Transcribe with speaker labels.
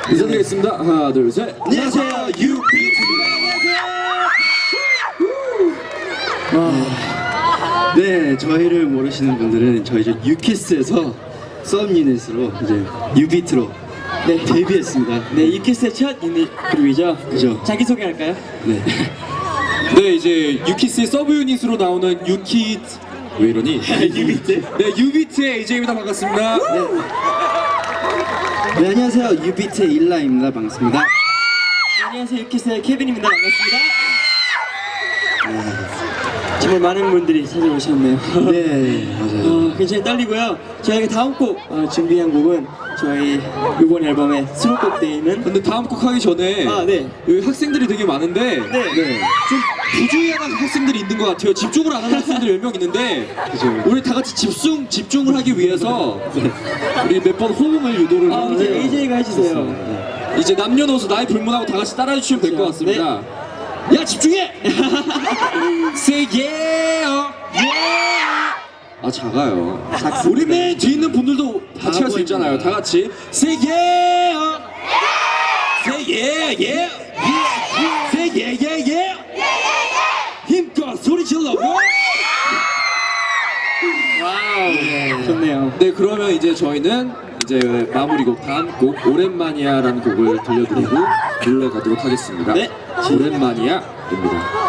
Speaker 1: 인사드리겠습니다. 하나, 둘, 셋.
Speaker 2: 안녕하세요, 유비트입니다. 네, 저희를 모르시는 분들은 저희 이제 유키스에서 썸유닛으로 이제 유비트로 데뷔했습니다.
Speaker 3: 네, 유키스의 첫 유닛 그룹이죠.
Speaker 2: 그죠?
Speaker 3: 자기소개할까요?
Speaker 2: 네.
Speaker 1: 네, 이제 유키스의 서브 유닛으로 나오는 유키 왜 이러니?
Speaker 2: 유비트.
Speaker 1: 네, 유비트의 AJ입니다. 반갑습니다.
Speaker 2: 네, 안녕하세요, 유비트의 일라입니다. 반갑습니다.
Speaker 3: 네, 안녕하세요, 유키스의 케빈입니다. 반갑습니다. 정말 많은 분들이 찾아오셨네요.
Speaker 2: 네, 맞아요.
Speaker 3: 굉장히 떨리고요. 저희가 다음 곡 준비한 곡은 저희 이번 앨범의 수록곡 되어 있는
Speaker 1: 근데 다음 곡 하기 전에
Speaker 3: 네.
Speaker 1: 여기 학생들이 되게 많은데
Speaker 3: 네.
Speaker 1: 좀 부주의한 학생들이 있는 것 같아요. 집중을 안 하는 학생들이 몇 명 있는데
Speaker 2: 그죠.
Speaker 1: 우리 다 같이 집중을 하기 위해서 우리 몇 번 호응을 유도를
Speaker 3: 이제
Speaker 1: 하는데
Speaker 3: AJ가 해주세요.
Speaker 1: 이제 남녀노소 나이 불문하고 다 같이 따라해 주시면 될 것 같습니다. 야 집중해! Say yeah, yeah. 아 작아요. 우리 맨 뒤에 있는 분들도 같이 할 수 있잖아요. 다 같이 Say yeah, Say yeah, yeah, Say yeah, yeah, yeah. 힘껏 소리 질러.
Speaker 3: 와우, 좋네요.
Speaker 1: 네, 그러면 이제 저희는 이제 마무리곡 다음 곡 오랜만이야라는 곡을 들려드리고 놀러 가도록 하겠습니다.
Speaker 3: 네.
Speaker 1: 오랜만이야입니다.